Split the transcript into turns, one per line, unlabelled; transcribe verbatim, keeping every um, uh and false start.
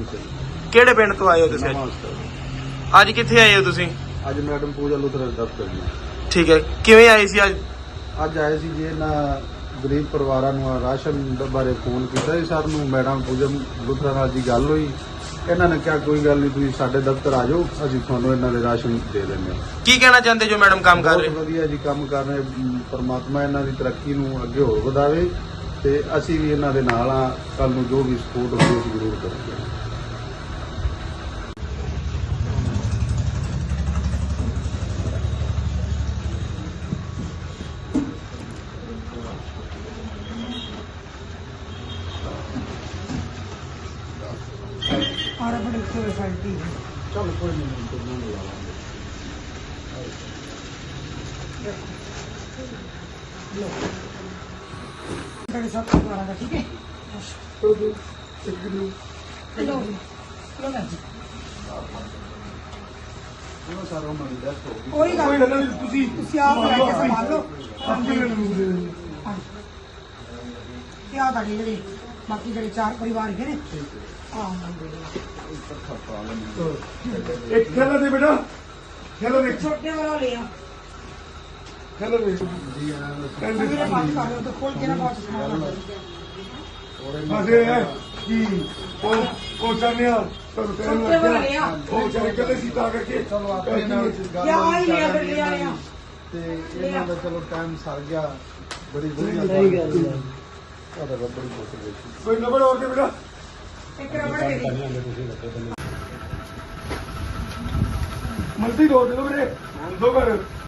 ਸਿੰਘ।
ਕਿਹੜੇ ਪਿੰਡ ਤੋਂ ਆਏ ਹੋ ਤੁਸੀਂ?
ਨਵਾਂ
ਅੱਜ ਕਿੱਥੇ ਆਏ ਹੋ ਤੁਸੀਂ?
ਅੱਜ ਮੈਡਮ ਪੂਜਾ ਲੁਥਰਾ ਦੇ ਦਫ਼ਤਰ ਜੀ।
ਠੀਕ ਹੈ, ਕਿਵੇਂ ਆਏ ਸੀ ਅੱਜ?
ਅੱਜ ਆਏ ਸੀ ਜੀ ਇਹਨਾਂ ਗਰੀਬ ਪਰਿਵਾਰਾਂ ਨੂੰ ਰਾਸ਼ਨ ਬਾਰੇ ਫੋਨ ਕੀਤਾ ਜੀ ਸਰ ਨੂੰ। ਮੈਡਮ ਪੂਜਾ ਲੁਥਰਾ ਨਾਲ ਜੀ ਗੱਲ ਹੋਈ। ਇਹਨਾਂ ਨੇ ਕਿਹਾ ਕੋਈ ਗੱਲ ਨਹੀਂ, ਤੁਸੀਂ ਸਾਡੇ ਦਫ਼ਤਰ ਆ ਜਾਓ, ਅਸੀਂ ਤੁਹਾਨੂੰ ਇਹਨਾਂ ਦੇ ਰਾਸ਼ਨ ਦੇ ਦਿੰਦੇ ਹਾਂ।
ਕੀ ਕਹਿਣਾ ਚਾਹੁੰਦੇ ਜੋ ਮੈਡਮ ਕੰਮ ਕਰ ਰਹੇ?
ਬਹੁਤ ਵਧੀਆ ਜੀ ਕੰਮ ਕਰ ਰਹੇ। ਪਰਮਾਤਮਾ ਇਹਨਾਂ ਦੀ ਤਰੱਕੀ ਨੂੰ ਅੱਗੇ ਹੋਰ ਵਧਾਵੇ ਤੇ ਅਸੀਂ ਵੀ ਇਹਨਾਂ ਦੇ ਨਾਲ ਆ। ਕੱਲ ਨੂੰ ਜੋ ਵੀ ਸਪੋਰਟ ਹੋਵੇ ਅਸੀਂ ਜ਼ਰੂਰ ਕਰਾਂਗੇ।
ਆੜਾ ਬੜੀ ਫੈਸਿਲਿਟੀ ਹੈ।
ਚਲ ਕੋਈ ਨਹੀਂ, ਕੋਈ ਨਹੀਂ ਲਾਵਾਂਗੇ।
ਸਾਡੇ ਸਾਥ ਪਰਿਵਾਰਾਂ ਦਾ ਠੀਕ ਹੈ।
ਚਲੋ ਇੱਕ ਨੂੰ
ਚਲੋ ਚਲੋ ਨਾ ਜੀ,
ਉਹ ਸਾਰਾ ਉਹਨਾਂ ਦੀ ਡੈਥ ਹੋ ਗਈ।
ਕੋਈ ਗੱਲ ਨਹੀਂ,
ਤੁਸੀਂ
ਤੁਸੀਂ ਆਪ ਲੈ ਕੇ ਸੰਭਾਲ ਲਓ।
ਆਪੇ ਮੈਨੂੰ
ਤੇ ਆ ਤੁਹਾਡੇ ਜਿਹੜੇ ਬਾਕੀ ਜਿਹੜੇ ਚਾਰ ਪਰਿਵਾਰ ਹੈਗੇ ਨੇ ਆ
ਇੱਕ ਖੇਲਾ ਦੇ ਬੇਟਾ, ਖੇਲਾ ਦੇ
ਛੋਟੇ ਵਾਲਾ ਲੈ ਆ।
ਖੇਲਾ ਦੇ ਜੀ ਆਣਾ
ਮੇਰੇ ਪਾਸ ਕਰ ਲਓ ਤਾਂ ਖੋਲ ਕੇ ਨਾ ਬਾਅਦ ਸਮਾਨ ਲਾ
ਫਸੇ ਹੈ ਕਿ ਉਹ ਉਹ ਚਾਹਨਿਆ ਤੁਹਾਨੂੰ ਕਹਿਣ
ਛੋਟੇ ਵਾਲਾ ਲੈ
ਲੱਗਿਆ
ਆ।
ਉਹ ਚਾਹੇ ਕਹਿੰਦੇ ਸੀ ਤਾਂ ਕਰਕੇ ਚਲੋ ਆਪਣੇ ਨਾਲ ਗੱਲ
ਯਾ ਆ ਹੀ ਲਿਆ ਫਿਰ ਲਿਆ ਲਿਆ
ਤੇ ਇਹਨਾਂ ਦਾ ਚਲੋ ਟਾਈਮ ਸਰ ਗਿਆ। ਬੜੀ ਵਧੀਆ ਸਹੀ ਗੱਲ ਹੈ। ਤੁਹਾਡਾ ਬੜੀ ਬਹੁਤ ਬਹੁਤ ਕੋਈ ਨੰਬਰ ਹੋਰ ਦੇ ਬੇਟਾ।
ਇੱਕ ਰਬੜ ਦੇ ਦੇ।
ਮਲਟੀ ਦੋ ਦੇ ਦੋ ਵੀਰੇ, ਦੋ ਕਰ